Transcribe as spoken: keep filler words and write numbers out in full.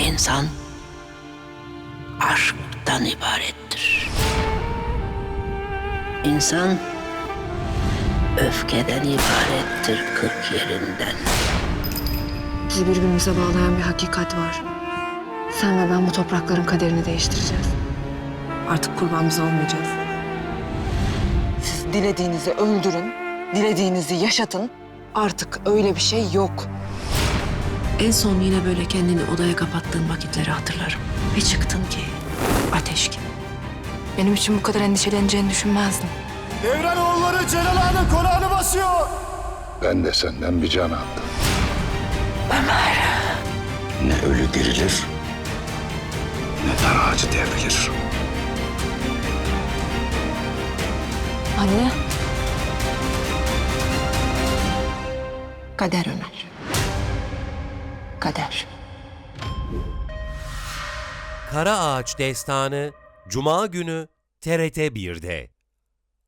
İnsan aşktan ibarettir. İnsan öfkeden ibarettir kırk yerinden. Bizi birbirimize bağlayan bir hakikat var. Sen ve ben bu toprakların kaderini değiştireceğiz. Artık kurban biz olmayacağız. Siz dilediğinizi öldürün, dilediğinizi yaşatın. Artık öyle bir şey yok. En son yine böyle kendini odaya kapattığın vakitleri hatırlarım. Bir çıktın ki ateş gibi. Benim için bu kadar endişeleneceğini düşünmezdim. Devrenoğulları Celal Ağa'nın konağını basıyor. Ben de senden bir can aldım. Ne ölü dirilir, Ne dar ağacı devrilir. Anne. Kader Ömer. Kader. Kara Ağaç Destanı Cuma günü T R T bir'de.